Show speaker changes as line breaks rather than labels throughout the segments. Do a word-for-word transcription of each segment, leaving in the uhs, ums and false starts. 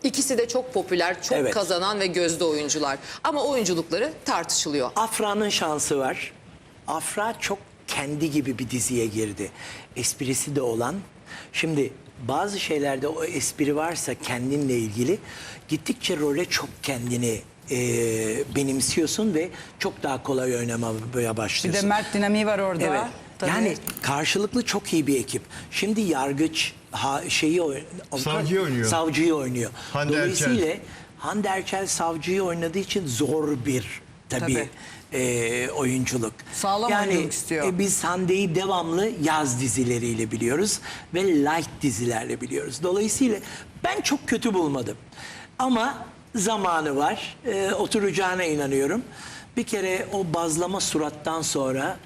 İkisi de çok popüler, çok
Evet.
kazanan ve gözde oyuncular. Ama oyunculukları tartışılıyor.
Afra'nın şansı var. Afra çok kendi gibi bir diziye girdi. Esprisi de olan. Şimdi bazı şeylerde o espri varsa kendinle ilgili gittikçe role çok kendini e, benimsiyorsun ve çok daha kolay oynamaya
Bir
başlıyorsun.
de Mert dinamiği var orada.
Evet.
Tabii.
Yani karşılıklı çok iyi bir ekip. Şimdi yargıç ha, şeyi oyn-
Savcıyı oynuyor.
Savcıyı oynuyor.
Hande
Dolayısıyla
Erçel.
Hande Erçel savcıyı oynadığı için zor bir tabii,
Tabii.
e, oyunculuk.
Sağlam
yani,
oyunculuk istiyor.
e, biz Hande'yi devamlı yaz dizileriyle biliyoruz ve light dizilerle biliyoruz. Dolayısıyla ben çok kötü bulmadım. Ama zamanı var. E, oturacağına inanıyorum. Bir kere o bazlama surattan sonra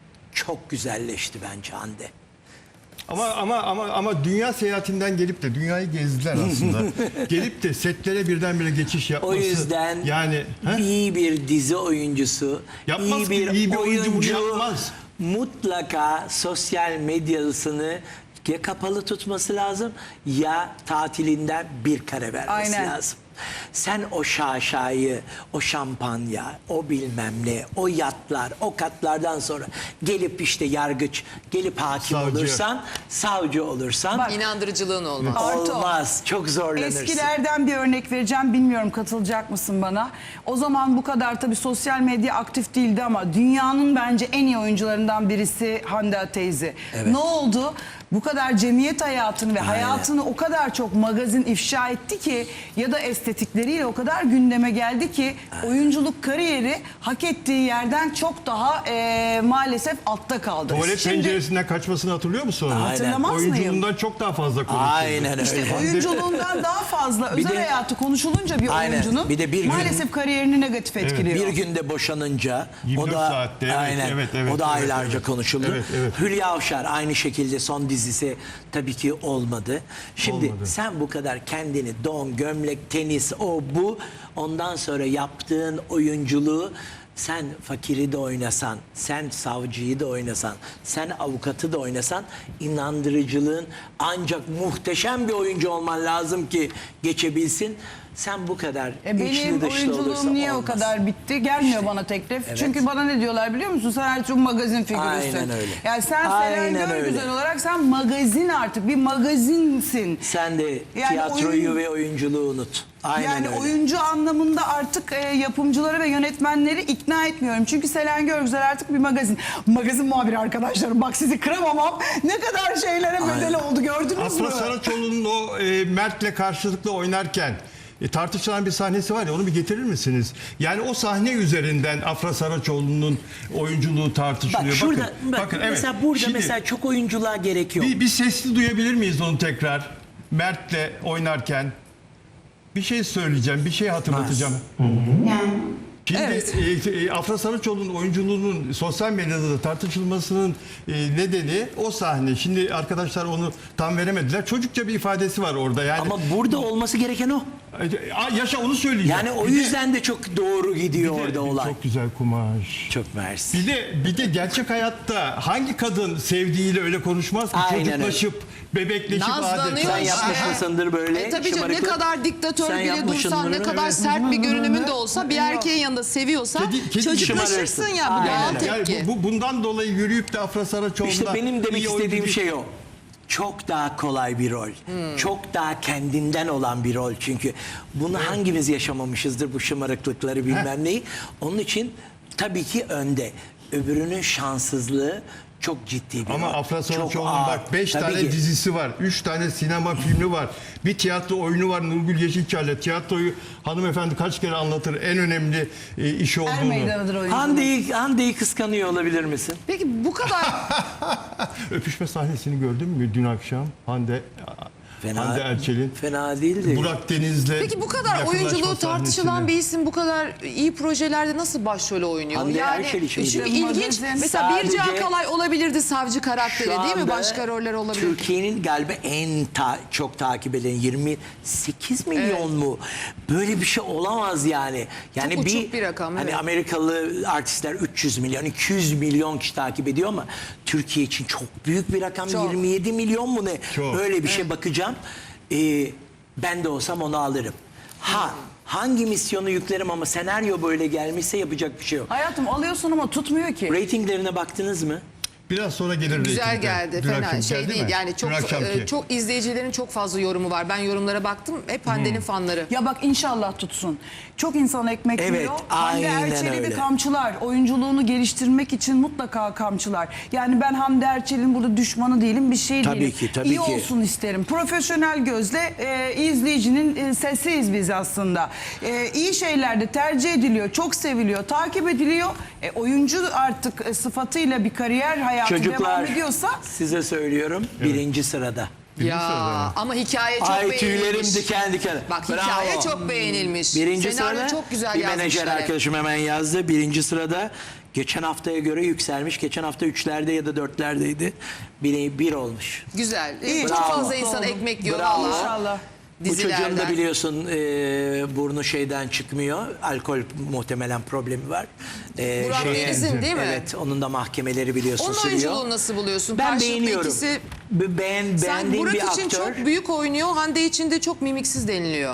çok güzelleşti bence Hande.
Ama ama ama ama dünya seyahatinden gelip de dünyayı gezdiler aslında. Gelip de setlere birdenbire geçiş yapması.
O yüzden
yani he?
iyi bir dizi oyuncusu,
Yapmaz
iyi
ki,
bir,
iyi bir oyuncu bunu
oyuncu
yapmaz.
mutlaka sosyal medyasını ya kapalı tutması lazım ya tatilinden bir kare vermesi
Aynen.
lazım. Sen o şaşayı, o şampanya, o bilmem ne, o yatlar, o katlardan sonra gelip işte yargıç, gelip hakim
Savcı.
olursan, savcı olursan
Bak,
İnandırıcılığın olmaz.
Artı o.
olmaz. Çok zorlanırsın.
Eskilerden bir örnek vereceğim. Bilmiyorum katılacak mısın bana? O zaman bu kadar tabii sosyal medya aktif değildi ama dünyanın bence en iyi oyuncularından birisi Hande teyze. Ne oldu? Bu kadar cemiyet hayatını ve hayatını o kadar çok magazin ifşa etti ki ya da estetikleriyle o kadar gündeme geldi ki oyunculuk kariyeri hak ettiği yerden çok daha e, maalesef altta kaldı.
Tuvalet
Şimdi
penceresinden kaçmasını hatırlıyor musun? onu?
hatırlamaz mıyım?
Oyunculuğundan çok daha fazla konuşuldu.
Aynen öyle.
İşte oyunculuğundan daha fazla
Bir
özel
de-
hayatı konuşulunca bir
Aynen.
oyuncunun
Bir de bir gün-
maalesef kariyerini negatif etkiliyor.
Bir günde boşanınca
yirmi
o
dört
da
saatte, evet,
aynen
evet, evet,
o da
evet,
aylarca
evet.
konuşuldu.
Evet, evet.
Hülya Avşar aynı şekilde son dizisi tabii ki olmadı. Şimdi
Olmadı.
sen bu kadar kendini don, gömlek, tenis, o bu ondan sonra yaptığın oyunculuğu sen fakiri de oynasan, sen savcıyı da oynasan, sen avukatı da oynasan inandırıcılığın ancak muhteşem bir oyuncu olman lazım ki geçebilsin. Sen bu kadar
E benim
içli dışlı olursa
oyunculuğum niye
olmaz.
o kadar bitti? Gelmiyor bana teklif.
Evet.
Çünkü bana ne diyorlar biliyor musun? Sen artık magazin figürüsün.
Aynen öyle.
Yani sen
Aynen
Selen
öyle.
Görgüzel olarak sen magazin artık bir magazinsin.
Sen de
Yani
tiyatroyu
oyun-
ve oyunculuğu unut. Aynen
yani
öyle.
oyuncu anlamında artık e, yapımcıları ve yönetmenleri ikna etmiyorum. Çünkü Selen Görgüzel artık bir magazin. Magazin muhabiri arkadaşlarım. Bak sizi kıramamam. Ne kadar şeylere bedel oldu gördünüz mü?
Afra Saraçoğlu'nun o e, Mert'le karşılıklı oynarken e, tartışılan bir sahnesi var ya, onu bir getirir misiniz? Yani o sahne üzerinden Afra Saraçoğlu'nun oyunculuğu tartışılıyor.
Bak şurada,
bakın,
bak,
bakın,
mesela
evet.
burada
Şimdi
mesela çok oyunculuğa gerek yok.
bir, bir sesli duyabilir miyiz onu tekrar? Mert'le oynarken bir şey söyleyeceğim, bir şey hatırlatacağım.
Yani
Şimdi
Evet.
e, e, Afra Saraçoğlu'nun oyunculuğunun sosyal medyada da tartışılmasının e, nedeni o sahne. Şimdi arkadaşlar onu tam veremediler. Çocukça bir ifadesi var orada. Yani
Ama burada olması gereken o.
Aa, yaşa onu söyleyeceğim.
Yani o
Bir de-
yüzden de çok doğru gidiyor
bir de-
orada olay.
Çok güzel kumaş.
Çok mersi.
Bir de bir de gerçek hayatta hangi kadın sevdiğiyle öyle konuşmaz ki?
Aynen
çocuklaşıp, bebekleşip
Nazlanıyor
adeta.
Sen yapmış
işte.
mısındır böyle?
E tabii canım, ne
şımarıklık?
kadar diktatör
Sen
bile
yapmışsındır
dursan, ne
onu.
kadar
Evet.
sert bir görünümün de olsa bir erkeğin yanında seviyorsa
Kedi- kedi
çocuklaşırsın
şımarırsın.
ya. Bu
Aynen
doğal
öyle.
Yani
tepki.
bu, bu- bundan dolayı yürüyüp de Afra Saraçoğlu'na
İşte benim demek
iyi
istediğim
oyuncu-
şey o. Çok daha kolay bir rol. Çok daha kendinden olan bir rol çünkü. Bunu hangimiz yaşamamışızdır bu şımarıklıkları bilmem neyi. Onun için tabii ki önde. Öbürünün şanssızlığı çok ciddi bir
Ama
rol.
Afra
Çok
Saraçoğlu'nun
ağır.
bak beş
Tabii
tane
ki.
dizisi var. Üç tane sinema filmi var. Bir tiyatro oyunu var Nurgül Yeşilçay'la. Tiyatroyu hanımefendi kaç kere anlatır. En önemli e, iş olduğunu.
Er meydanıdır oyuncu.
Hande'yi Hande'yi kıskanıyor olabilir misin?
Peki bu kadar
Öpüşme sahnesini gördün mü dün akşam? Hande
Fena,
Hande Erçel'in
fena değildi.
Burak Deniz'le
Peki bu kadar
yakınlaşma
oyunculuğu tartışılan
sahnesini.
bir isim bu kadar iyi projelerde nasıl başrol oynuyor?
Hande
yani
Erçel için
çünkü
değil.
ilginç.
Magazin
Mesela Birce
sadece-
Akalay olabilirdi savcı karakteri
Şu
değil mi?
anda
Başka roller olabilirdi.
Türkiye'nin galiba en ta- çok takip edilen yirmi sekiz milyon mu? Böyle bir şey olamaz yani. Yani
Çok
bir,
uçuk bir rakam,
Hani
evet.
Amerikalı artistler üç yüz milyon, iki yüz milyon kişi takip ediyor ama Türkiye için çok büyük bir rakam.
Çok.
yirmi yedi milyon mu ne?
Çok.
Öyle bir şey bakacağım. Ee, Ben de olsam onu alırım. Ha hangi misyonu yüklerim ama senaryo böyle gelmişse yapacak bir şey yok.
Hayatım alıyorsun ama tutmuyor ki.
Ratinglerine baktınız mı?
Biraz sonra gelir
Güzel
reytingler.
geldi.
Dün
Fena
akşam
şey
geldi
değil.
mi?
Yani çok
Dün akşamki.
e, çok izleyicilerin çok fazla yorumu var. Ben yorumlara baktım. Hep Hande'nin
Hmm.
fanları.
Ya bak inşallah tutsun. Çok insan ekmek
Evet,
yiyor. Hande
aynen
Erçel'i de
öyle.
kamçılar. Oyunculuğunu geliştirmek için mutlaka kamçılar. Yani ben Hande Erçel'in burada düşmanı değilim, bir şey
Tabii
değilim.
ki, tabii
İyi
ki.
olsun isterim. Profesyonel gözle e, izleyicinin e, sesiyiz biz aslında. E, iyi şeyler de tercih ediliyor, çok seviliyor, takip ediliyor. E, oyuncu artık e, sıfatıyla bir kariyer hayatı devam
Çocuklar
ediyorsa...
size söylüyorum birinci sırada.
Ya
sırada.
ama hikaye çok
Ay
beğenilmiş.
tüylerim diken diken.
Bak
Bravo.
hikaye çok beğenilmiş.
Birinci
Senaryo
sırada
çok güzel
bir menajer
yazmışlar. hep.
arkadaşım hemen yazdı. Birinci sırada geçen haftaya göre yükselmiş. Geçen hafta üçlerde ya da dörtlerdeydi. Bir, bir olmuş.
Güzel.
İyi,
çok
bravo.
fazla insan ekmek yiyor
Bravo.
valla.
İnşallah.
Bu çocuğun da
Dizilerden.
biliyorsun e, burnu şeyden çıkmıyor. Alkol muhtemelen problemi var. E,
Burak
şeye-
Deniz'in değil mi?
Evet, onun da mahkemeleri biliyorsun
Onun
sürüyor.
oyunculuğunu nasıl buluyorsun?
Ben
Karşılıklı
beğeniyorum.
ikisi-
Be- Beğen,
Sen
beğendiğim
Burak
bir
için
aktör.
çok büyük oynuyor. Hande için de çok mimiksiz deniliyor.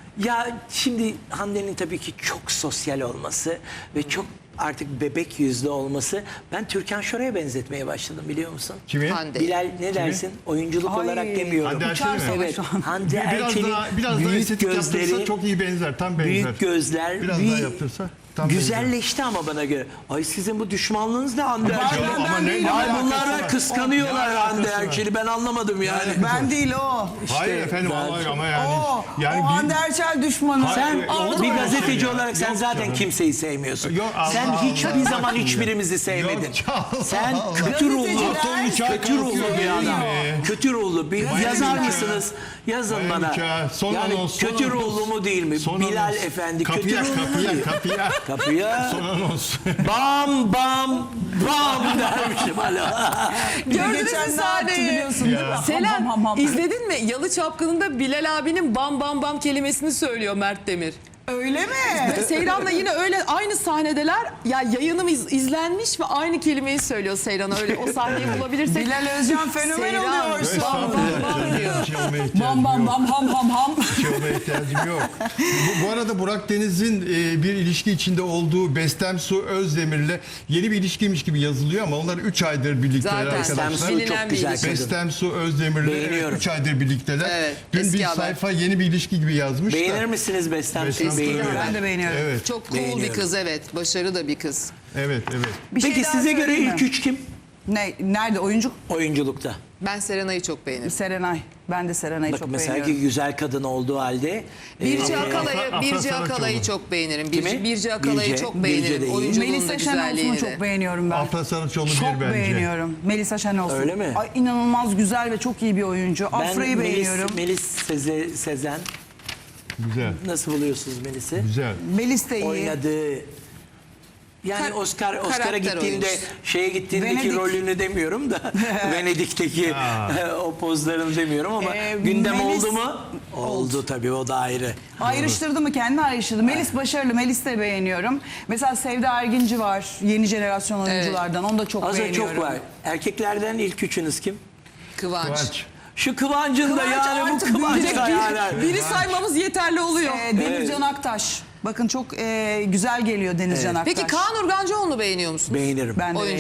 Ya şimdi Hande'nin tabii ki çok sosyal olması ve çok artık bebek yüzlü olması. Ben Türkan Şoray'a benzetmeye başladım biliyor musun?
Kimi?
Hande.
Bilal ne dersin? Oyunculuk
Ay,
olarak demiyorum.
Hande Erçel mi?
Uçarsa
Evet.
şu an.
Hande
Biraz
Erçel'in
daha, biraz daha
büyük
estetik yaptırsa
gözleri,
çok iyi benzer. Tam benzer.
büyük gözler,
Biraz
bir
daha yaptırsa tam benzer.
güzelleşti ama bana göre. Ay sizin bu düşmanlığınız ne Hande
Ya
Erçel'e?
ama ne- ne
Ay
alakası
bunlar
var?
da kıskanıyorlar
Ne
Hande
alakası var?
Erçel'i. Ben anlamadım yani.
Ben değil o.
Hayır efendim
daha
ama,
çok-
ama yani.
o,
yani
o
bir-
Hande Erçel düşmanı.
Hayır,
Sen
Hayır, olur
bir
mu öyle
gazeteci
şey ya?
olarak sen
Yok
zaten
canım.
kimseyi sevmiyorsun.
Yok, Allah
sen
Allah.
hiçbir zaman hiçbirimizi sevmedin.
Yok, Allah
Sen
Allah.
kötü ruhlu,
Gazeteciler
kötü
kötü
ruhlu
ruhlu
bir adam.
ya.
Kötü ruhlu bir
Vay
yazar
nikah.
mısınız? Yazın
Vay
bana.
nikah. Son
yani
anons, son
kötü
anons.
ruhlu mu değil mi?
Son
Bilal
anons.
Efendi kötü
Kapıya,
ruhlu mu
kapıya,
değil?
kapıya.
Kapıya.
Son anons.
Bam bam bam dermişim hala.
Gördünüz mü
Geçen ne yaptı
sahneyi?
biliyorsun değil mi? Ham,
Selen
ham, ham, ham.
izledin mi? Yalı Çapkını'nda Bilal abinin bam bam bam kelimesini söylüyor Mert Demir.
Öyle mi?
Seyran'la yine öyle aynı sahnedeler. Ya yayınım iz- izlenmiş ve aynı kelimeyi söylüyor Seyran'a. Öyle o sahneyi bulabilirsek.
Bilal Özcan fenomen
Seyran.
oluyor şu an.
Bam bam bam diyor.
Bir şey olmaya ihtiyacım
Bam bam
yok.
bam ham ham ham.
Bir şey olmaya ihtiyacım yok. Bu, bu arada Burak Deniz'in e, bir ilişki içinde olduğu Bestem Su Özdemir'le yeni bir ilişkiymiş gibi yazılıyor ama onlar üç aydır birlikteler
Zaten
arkadaşlar.
Bestem Su
bilinen
çok
bir
güzel
ilişki.
kadın.
Bestem Su Özdemir'le
Beğeniyorum.
üç aydır birlikteler.
Evet,
Dün
eski
bir
haber.
sayfa yeni bir ilişki gibi yazmış da.
Beğenir misiniz Bestem
Bestem
Su'yu?
Su,
Beğeniyorum.
Ben de beğeniyorum.
Evet,
Çok cool bir
Beğeniyorum.
kız evet. Başarılı da bir kız.
evet, evet.
Bir şey
Peki
daha
size göre
söyleyeyim
ilk
mi?
üç kim?
Ne, nerede oyuncu?
Oyunculukta.
Ben Serenay'ı çok beğenirim.
Serenay. Ben de Serenay'ı
Bak
çok
mesela
beğeniyorum.
ki güzel kadın olduğu halde.
Birce
e,
Akalay'ı,
Afra-
Birce
Afra
Akalay'ı
Saraçoğlu.
çok beğenirim. Birce,
Kimi?
Birce Akalay'ı
Birce,
çok
Birce
beğenirim.
de iyi.
Oyunculuğunu da
Melisa Şenolsun'u
güzelliğini de.
çok beğeniyorum ben.
Afra Saraçoğlu
Çok
bir bence.
beğeniyorum. Melisa Şenolsun.
Öyle mi?
Ay, inanılmaz güzel ve çok iyi bir oyuncu.
Ben
Afra'yı
Melis,
beğeniyorum.
Melis Seze, Sezen.
Güzel,
Nasıl buluyorsunuz Melis'i?
güzel.
Melis de iyi.
Oynadığı yani
Kar-
Oscar Oscar'a
karakter
gittiğinde
oyuncusu.
şeye gittiğindeki
Venedik.
rolünü demiyorum da Venedik'teki o pozlarını demiyorum ama
Ee,
gündem
Melis-
oldu mu? Oldu tabii, o da ayrı.
Ayrıştırdı mı? Kendi ayrıştırdı. Melis başarılı. Melis de beğeniyorum. Mesela Sevda Erginci var. Yeni jenerasyon oyunculardan. Onu da çok
Aslında
beğeniyorum.
çok var. Erkeklerden ilk üçünüz kim?
Kıvanç.
Kıvanç.
Şu Kıvancın da
Kıvanç
yani bu
artık
Kıvanç
büyüyecek
da
bir-
yani.
Biri saymamız yeterli oluyor.
Ee, Denizcan Aktaş. Bakın çok e, güzel geliyor Denizcan Aktaş.
Peki Kaan Urgancıoğlu'nu beğeniyor musunuz?
Beğenirim.
Ben de
Oyuncu